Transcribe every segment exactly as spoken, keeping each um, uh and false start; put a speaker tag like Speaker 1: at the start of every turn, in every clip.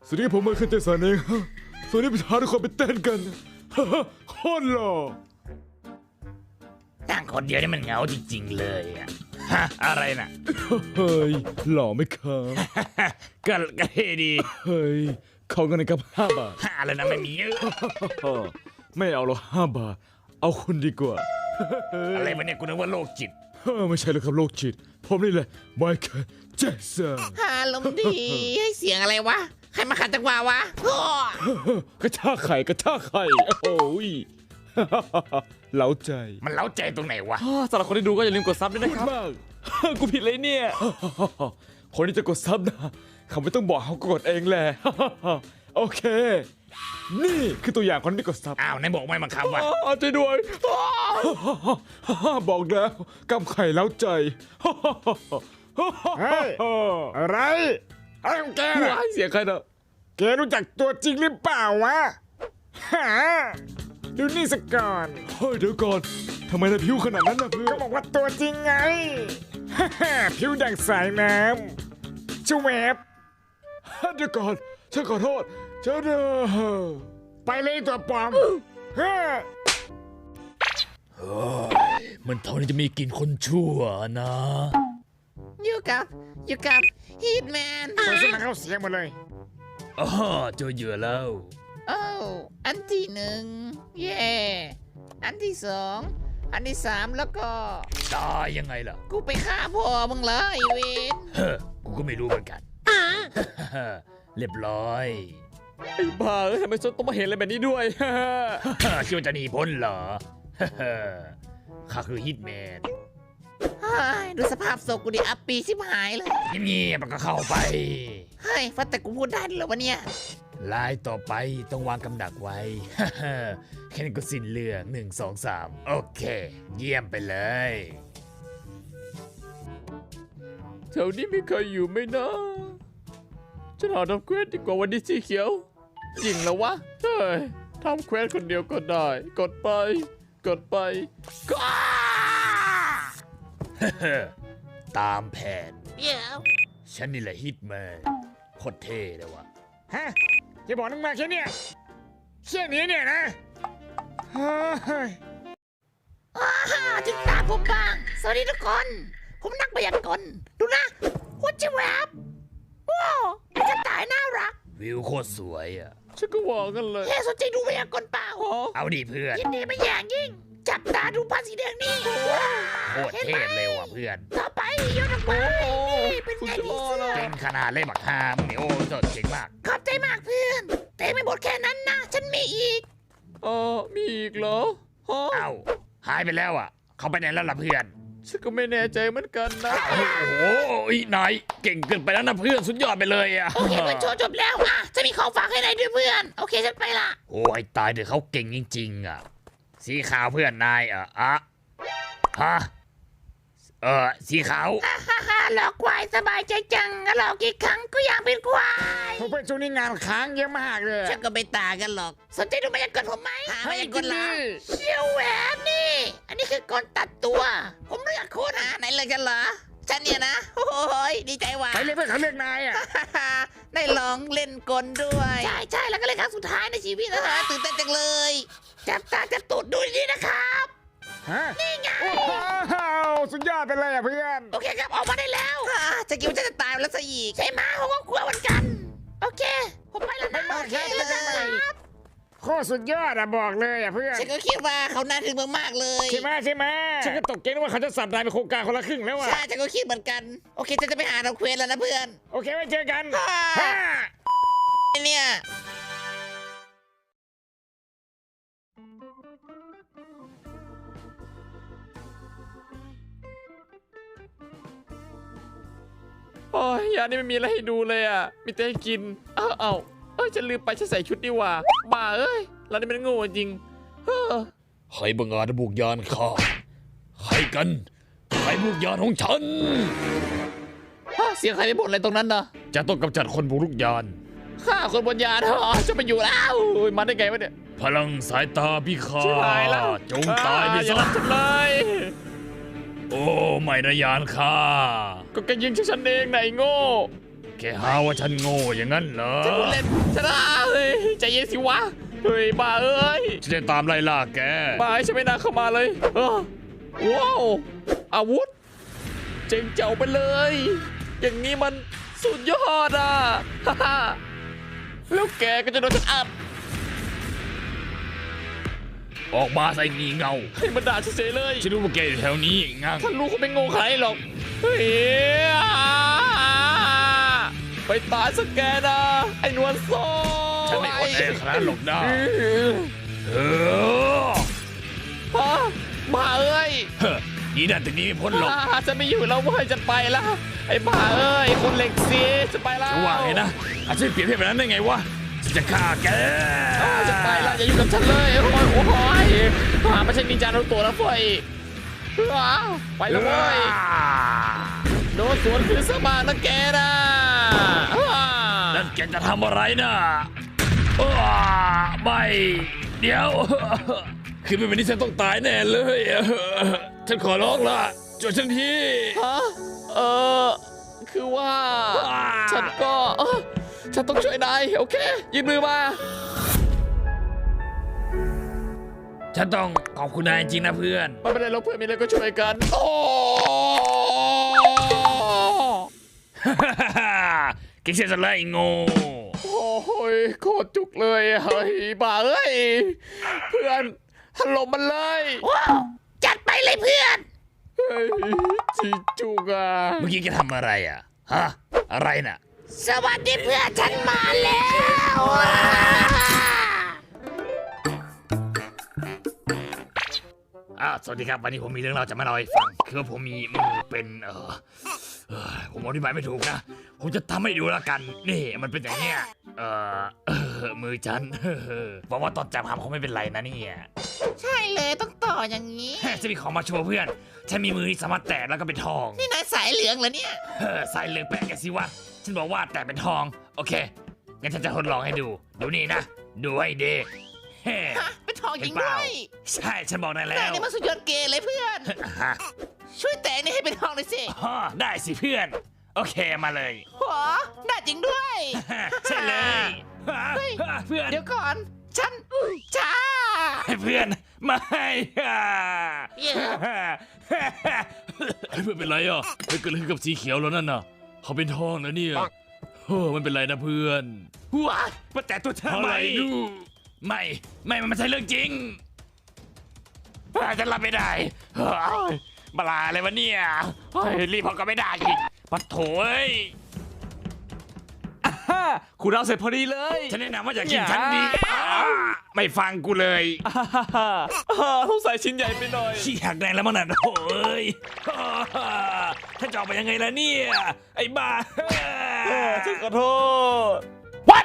Speaker 1: สวัสดีผมมาขึ้นเต้นสานเองฮะสวัสดีประธานทุกคนไปเต้นกันฮ่าฮ่าโคตรหล่อ
Speaker 2: ตั้งคนเดียวนี่มันเหงาจริงๆเลยอะฮะอะไรน่ะ
Speaker 1: เฮ้ยหล่อไหมครับ
Speaker 2: ก็ก็เท่ดี
Speaker 1: เฮ้ยขอเงินหน่อยครับห้าบาท
Speaker 2: ฮะอะไรนะไม่มีเยอะ
Speaker 1: ไม่เอาหรอกห้าบาทเอาคุณดีกว่า
Speaker 2: อะไรวะเนี่ยกูนึกว่าโรคจิต
Speaker 1: เฮ้ยไม่ใช่แล้วครับโรคจิตผมนี่แหละไมเคิลแจ็คสัน
Speaker 3: อารมณ์ดีให้เสียงอะไรวะ ใครมาขัดจังหวะวะอ้อก
Speaker 1: ระชากไข่กระชากไข่โอ้ย เล้าใจ
Speaker 2: มันเล้าใจตรงไหนวะ
Speaker 4: สำหรับคนที่ดูก็อย่าลืมกดซับด้วย
Speaker 1: พู
Speaker 4: นะ
Speaker 1: ด
Speaker 4: ครับ
Speaker 1: มาก
Speaker 4: กูผิดเลยเนี่ย
Speaker 1: คนที่จะกดซับนะเขาไม่ต้องบอกเขากดเองแหละ โอเค นี่คือตัวอย่างคนที่กดซับ
Speaker 2: อ้าวไหนบอกไม่บังคับวะ
Speaker 1: อ้าวช่วยด้วย บอกแล้วกำไข่แล้วใจ
Speaker 5: เฮ้ย อะไรอะไรของแกน่ะ
Speaker 1: ว้ายเสียงใครเนอะ
Speaker 5: แกรู้จักตัวจริงหรือเปล่าวะฮะดูนี่สักก่อน
Speaker 1: เฮ้ยเดี๋ยวก่อนทำไมนายผิวขนาดนั้นนะเพื่อ
Speaker 5: ก็
Speaker 1: น
Speaker 5: บอกว่าตัวจริงไง ฮ่าฮ่าผิวดังสายน้ำชวบ
Speaker 1: เดี๋ยวก่อนฉันขอโทษฉันเออ
Speaker 5: ไปเลยตัวปลอมฮ่า
Speaker 2: มันเท่านี้จะมีกลิ่นคนชั่วนะ
Speaker 3: อยู่กับอยู่กับฮีทแมน
Speaker 5: คนสมัครเขาเสียหมดเลย
Speaker 2: อ๋อเจอเหยื่อแล้ว
Speaker 3: โอ้อันที่หนึ่งเย่อันที่สองอันที่สามแล้วก็
Speaker 2: ตายยังไงล่ะ
Speaker 3: กูไปฆ่าพ่อมึงเลยไอ้เวน
Speaker 2: เฮ้อกูก็ไม่รู้เหมือนกัน เรียบร้อย
Speaker 4: ไอ้บ้าเอ้ยทำไมฉันต้องมาเห็นอะไรแบบนี้ด้วย
Speaker 2: คิดว่าจะหนีพ้นเหรอ ข้าคือฮิตแมน
Speaker 3: เฮ้ยดูสภาพศพกูดิอัปปีชิบหายเลย
Speaker 2: เงียบๆมันก็เข้าไป
Speaker 3: เฮ้ยฟัดแต่กูพูดได้ด้วยเหรอวะเนี่ย
Speaker 2: ลายต่อไปต้องวางกำดักไว้ แค่นี้ก็สิ้นเรื่องหนึ่งสองสามโอเค เยี่ยมไปเลย
Speaker 4: แถวนี้มีใครอยู่ไหมนะฉันหาทำเควสดีกว่าวันนี้สีเขียว จริงแล้ววะ เฮ้ยทำเควสคนเดียวก็ได้ กดไป กดไป ก็
Speaker 2: ตามแผน
Speaker 3: เดี๋ยว
Speaker 2: ฉันนี่แหละฮิตแมนโคตรเท่เลยวะ
Speaker 5: ฮะจะบอกนึงมาแค่เนี้ยแค่นี้เนี่ยนะเฮ้ย
Speaker 3: อ้าถึงตาผมบ้าง สวัสดีทุกคน ผมนักพยากรณ์ดูนะหัวจิแวบว้าวไอ้กระต่ายน่ารัก
Speaker 2: วิวโคตรสวยอ่ะ
Speaker 4: ฉันก็ว่ากันเลย
Speaker 3: เฮ้สนใจดูพยากรณ์เปล่า
Speaker 2: เอาดิเพื่อน
Speaker 3: ยินดีไม่อย่างยิ่ง จับตาดูผ้าสีแดงนี่
Speaker 2: โคตรเท่เลยว่ะเพื่อน
Speaker 3: ต่อไปโยนออกไปนี่เป็นไงดีเสื้อ
Speaker 2: เก่งขนาดเล่บักฮามงเนี่ยโอ้จดเก่งมาก
Speaker 3: ขอบใจมากเพื่อน แต่ไม่หมดแค่นั้นนะ ฉันมีอีก
Speaker 4: เออมีอีกเหรอฮะ
Speaker 2: เอ้าหายไปแล้วอ่ะ เขาไปไหนแล้วล่ะเพื่อน
Speaker 4: ฉันก็ไม่แน่ใจเหมือนกันนะ
Speaker 2: โอ้โหอีนายเก่งเกินไปแล้วนะเพื่อนสุดยอดไปเลยอ่ะ
Speaker 3: โอเคเพื่อนโชว์จบแล้วอ่ะจะมีของฝากให้นายด้วยเพื่อน โอเคฉันไปละ
Speaker 2: โอ้ยตายเดี๋ยวเขาเก่งจริงๆอ่ะ สีขาวเพื่อนนายอ่ะอะฮะเออสีขาว
Speaker 3: ฮ่าฮ่าฮ่าหลอกควายสบายใจจังหลอกกี่ครั้งก็ยังเป็นควาย
Speaker 5: ผมเป็นช่วงนี้งานค้างเยอะมากเลย
Speaker 3: ฉันก็ไม่ต่างกันหรอก สนใจดูมายากลผมไหมหา
Speaker 5: ให้
Speaker 3: มายาก
Speaker 5: กิ
Speaker 3: ล
Speaker 5: น
Speaker 3: ละ
Speaker 5: ดิ
Speaker 3: เชี่ยวแหวนนี่ อันนี้คือกลตัดตัว ผมเลือกโคตรหาไหนเลยกันเหรอ ฉันเนี่ยนะ โอ้ยดีใจว่ะ
Speaker 5: ไปเลยเพื่อนเขาเลือกนายอ่ะ
Speaker 3: ได้ลองเล่นกลด้วย ใช่ใช่แล้วก็เล่นครั้งสุดท้ายในชีวิตนะฮะตื่นเต้นจังเลย จับตาจับตูดดูดีๆนะครับ
Speaker 5: ฮะ
Speaker 3: นี่ไง
Speaker 5: โอ้โหสุดยอดไปเลยอ่ะเพื่อน
Speaker 3: โอเคครับออกมาได้แล้วอ่าจะคิดว่าจะตายแล้วซะอีกใช่ไหมผมก็กลัวเหมือนกัน โอเค ผมไปแล้วนะ
Speaker 5: ไม่
Speaker 3: โอ
Speaker 5: มา
Speaker 3: เค
Speaker 5: แค่
Speaker 3: แล้ว
Speaker 5: ไม่
Speaker 3: นะ
Speaker 5: มา โคตรสุดยอดอ่ะบอกเลยอ่ะเพื่อน
Speaker 3: ฉันก็คิดว่าเขาน่าถึงมากๆเลย
Speaker 5: ใช่ไหมใช่ไหมฉันก็ตกเกณฑ์ว่าเขาจะสับนายเป็นโครงการคนละครึ่งแล้วอ่ะ
Speaker 3: ใช่ฉันก็คิดเหมือนกัน โอเคฉันจะไปหาเราเควสแล้วนะเพื่อน
Speaker 5: โอเคไว้เจอกัน
Speaker 3: อ่า
Speaker 5: ฮ่า
Speaker 3: เนี่ย
Speaker 4: โอ้ยยานี่ไม่มีอะไรให้ดูเลยอ่ะ มีแต่ให้กิน เอ้าเอ้าเอ้ยฉันลืมไปฉันใส่ชุดนี่หว่าบ้าเอ้ยเรานี่มันโง่จริงเฮ้อ
Speaker 2: ใครบังอาจบุกยานข้าใครกัน ใครบุกยานของฉัน
Speaker 4: ฮะเสียงใครไปบ่นอะไรตรงนั้นนะ
Speaker 2: จะต้องกำจัดคนบุกรุกยาน
Speaker 4: ข้าคนบนยานเหรอจะไปอยู่แล้วโอ้ยมาได้ไงวะเนี่ย
Speaker 2: พลังสายตาพิฆา
Speaker 4: ชิบหายแล้ว
Speaker 2: ตจงตายไป
Speaker 4: อ่อย่า
Speaker 2: ซะ
Speaker 4: รับฉันเลย
Speaker 2: โอ้ไม่นะยานข้า
Speaker 4: ก็แกยิงฉันเองไหนะไอ้โง่
Speaker 2: แกหาว่าฉันโง่อย่างนั้นเหรอ
Speaker 4: ฉันพูดเล่นชนะเฮ้ยใจเย็นสิวะเฮ้ยบ้าเอ้ย
Speaker 2: ฉันจะตามไล่ล่าแก
Speaker 4: บ้าให้ฉันไม่น่าเข้ามาเลยเออว้าวอาวุธเจ๋งเจ๋วไปเลย อย่างนี้มันสุดยอดอ่ะ ฮ่าฮ่าแล้วแกก็จะโดนฉันอัด
Speaker 2: ออกมาใส่งีเงา
Speaker 4: ให้มันด่าเฉยๆเลย
Speaker 2: ฉันรู้ว่าแกอยู่แถวนี้งั้ง
Speaker 4: ท่านรู้เขาไม่โง่ใครหรอกเฮ้ยไปตายสักแกนะไอ้นวลโซ่
Speaker 2: ฉันไม่อดแอขนาดนั้นหรอกนะเออ
Speaker 4: ฮะบ้าเอ้ย
Speaker 2: เฮ้ยนี่นั่นถึงนี้ไม่พ้นหรอก
Speaker 4: อ่าจะไม่อยู่แล้วเว้ยจะไปแล้วไอ้บ้าเอ้ยคนเหล็กเสียจะไปแล้ว
Speaker 2: จะว่าไงนะอาจจะเปลี่ยนเพศแบบนั้นได้ไงวะฉันจะฆ่าแก
Speaker 4: อ่าจะไปแล้วอย่าอยู่กับฉันเลยโอ้ยโอ้ยหาไม่ใช่นินจาโนโตะนะเฟ้ยอ้าวไปแล้วเว้ยโดนสวนคืนสมางนะแกนะอ่า
Speaker 2: นั่นแกจะทำอะไรนะอ้าไม่เดี๋ยวคือเป็นแบบนี้ฉันต้องตายแน่เลยฉันขอร้องละช่วยฉันที
Speaker 4: ฮะเออคือว่า ฉันก็เออฉันต้องช่วยนายโอเคยืนมือมา
Speaker 2: ฉันต้องขอบคุณนายจริงนะเพื่อน
Speaker 4: ไม่เป็นไรเราเพื่อนมีอะไรก็ช่วยกันโอ้
Speaker 2: เก่งเสียสละไอ้โง่
Speaker 4: โอ้ยโคตรจุกเลยเฮ้ยบ้าเอ้ยเพื่อนถล่มมันเลย
Speaker 3: ว้าวจัดไปเลยเพื่อน
Speaker 4: เฮ้ยจีจุกอ่ะ
Speaker 2: เมื่อกี้แกทำอะไรอ่ะฮะอะไรน่ะ
Speaker 3: สวัสดีเพื่อนฉันมาแล้ว
Speaker 2: อ้าวสวัสดีครับวันนี้ผมมีเรื่องเล่าจะมาเล่าให้ฟังคือว่าผมมีมือเป็นเออเออผมอธิบายไม่ถูกนะผมจะทำให้ดูแล้วกันนี่มันเป็นอย่างเนี้ยเออเออมือฉันบอกว่าตอนจับหำเขาไม่เป็นไรนะเนี่ย
Speaker 3: ใช่เลยต้องต่ออย่างนี้
Speaker 2: จะมีของมาโชว์เพื่อนฉันมีมือที่สามารถแตะแล้วก็เป็นทอง
Speaker 3: นี่นายสายเหลืองเหรอเนี่ย
Speaker 2: เออใส่เลือกแปะแกสิวะฉันบอกว่าแตะเป็นทองโอเคงั้นฉันจะทดลองให้ดูดูนี่นะดูให้ดีเฮ้
Speaker 3: ฮะเป็นทองจริง
Speaker 2: เห็นเป
Speaker 3: ด้
Speaker 2: ล่า
Speaker 3: วย
Speaker 2: ใช่ฉันบอกนายแล้
Speaker 3: นายว นี่มันสุดยอดเกย์เลยเพื่อน
Speaker 2: ฮะ
Speaker 3: ช่วยแต่งนี่ให้เป็นทองหน่อยสิ
Speaker 2: อ๋อได้สิเพื่อน โอเคมาเลย
Speaker 3: หัวได้จริงด้วย
Speaker 2: ใช่เลย
Speaker 3: เฮ้ย
Speaker 2: เพื่อน
Speaker 3: เดี๋ยวก่อน ฉันจ้า
Speaker 2: เพื่อนไม่
Speaker 3: เย้
Speaker 2: เพื่อนเป็นไรอ่ะไม่เกิดอะไรขึ้นกับสีเขียวแล้วนั่นน่ะเขาเป็นทองนะเนี่ยเฮ้อมันเป็นไรนะเพื่อนว้ามาแต่ตัวเธอไม่ไม่ไม่มันไม่ใช่เรื่องจริงฉันรับไม่ได้เฮ้ยบลาอะไรวะเนี่ยเฮ้ยรีบพอก็ไม่ได้อีกปัดโถย
Speaker 1: คุณเราเสร็จพอดีเลย
Speaker 2: ฉันแนะนำว่าอย่ากินฉันดีอ่าไม่ฟังกูเลย
Speaker 1: ต้องใส่ชิ้นใหญ่ไปหน่อย
Speaker 2: ขี้หักแดงแล้วมั้งน่ะโอ้ยถ้าจะออกไปยังไงล่ะเนี่ย ไอ้บ้า
Speaker 1: ฉันขอโทษ
Speaker 2: What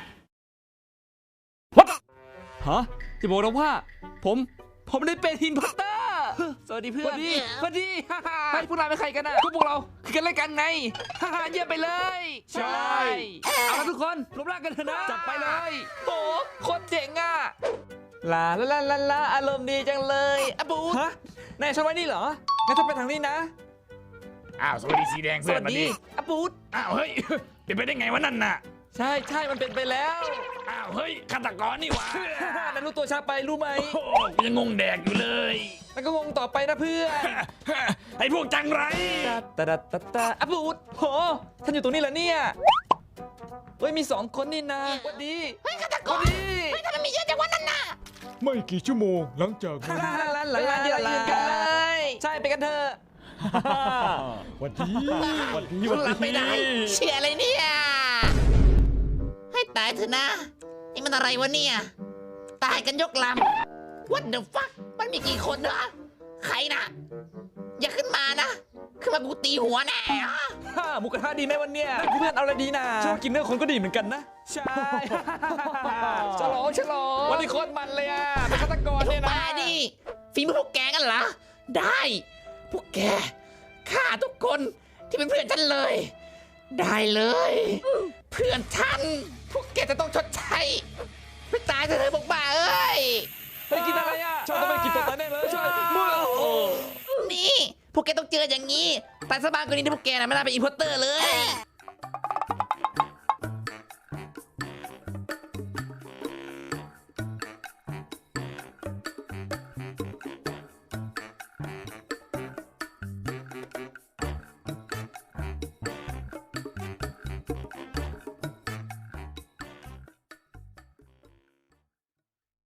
Speaker 1: ฮะจะบอกนะว่า ผม ผมได้เป็นฮินพอตเตอร์
Speaker 6: สวัสดีเพื่อน
Speaker 1: สวัสดี
Speaker 6: สวัสดีฮ่าฮ่าเฮ้ยพวกเราเป็นใครกันน่ะก็พวกเราคือกันเล่นกันไงฮ่าฮ่าเยี่ยมไปเลย
Speaker 1: ใช่
Speaker 6: เอาละทุกคนรวมร่างกันเถอะนะจับไปเลยโอ้โคตรเจ๋งอ่ะลาลาลาลาลาอารมณ์ดีจังเลยอะบู
Speaker 1: ฮะนายชอบไว้นี่เหรอ งั้นถ้าไปทางนี้นะ
Speaker 2: อ้าวสวัสดีสีแดง
Speaker 6: ส
Speaker 2: เพื่อ
Speaker 6: วัน ส
Speaker 2: มา
Speaker 6: ดี
Speaker 2: ดิ
Speaker 6: อะบูด
Speaker 2: อ้าวเฮ้ยเป็นไปได้ไงวะนั่นน่ะ
Speaker 6: ใช่ใช่มันเป็นไปแล้ว
Speaker 2: อ้าวเฮ้ยฆาตกรนี่หว่า
Speaker 6: ฮ่าฮ่านั้นรู้ตัวช้าไปรู้ไหม
Speaker 2: โอ้โหกูยังงงแดกอยู่เลย
Speaker 6: แล้วก็งงต่อไปนะเพื่อน
Speaker 2: ไอ้พวกจังไร
Speaker 6: ตาตาตาตาอะบูดโหท่านอยู่ตรงนี้เหรอเนี่ยเฮ้ยมีสองคนนี่นะสวัสดี
Speaker 3: เฮ้ยฆาตก
Speaker 6: สวั
Speaker 3: ร
Speaker 6: สดี
Speaker 3: เฮ้ยทำไมมีเยอะจังวะนั่นน่ะ
Speaker 1: ไม่กี่ชั่วโมงหลังจาก
Speaker 6: ฮ่าฮ่าหลังหลังหลังเดียวยืนกันเลย ใช่ไปกันเถอะ
Speaker 1: วันดีวันดี
Speaker 3: คุ
Speaker 1: วั
Speaker 3: ณ
Speaker 1: น
Speaker 3: รับไม่
Speaker 1: ดี
Speaker 3: ได้ เชื่ออะไรเนี่ย ให้ตายเถอะนะ นี่มันอะไรวะเนี่ย ตายกันยกลำ What the fuck มันมีกี่คนเนอะใครนะ อย่าขึ้นมานะ ขึ้นมากูตีหัวแน่
Speaker 6: ฮ่าหมูกระทะดีไหมวันเนี้ยเพื่อนเอาอะไรดีนะ
Speaker 1: ชอบกินเนื้อคนก็ดีเหมือนกันนะ
Speaker 6: ใช่ ฉลองฉลองวันนี้โคตรมันเลยอ่ะเป็นฆาตกร
Speaker 3: พว
Speaker 6: เนี่
Speaker 3: ก
Speaker 6: ยนะ
Speaker 3: บ้าดิฝีมือพวกแกกันเหรอ ได้ พวกแกฆ่าทุกคนที่เป็นเพื่อนฉันเลย ได้เลย เพื่อนฉัน พวกแกจะต้องชดใช้ไปตายเถอะพวกบ้าเอ้ย
Speaker 6: เฮ้ยกินอะไรอ่ะ
Speaker 1: ชอบต้องไปกินตัวตายแน่เลย
Speaker 6: ช่วยมือโอ้
Speaker 3: นี่ พวกแกต้องเจออย่างนี้ตายสบายกว่านี้ที่พวกแกนะไม่น่าเป็นอินพอร์เตอร์เลย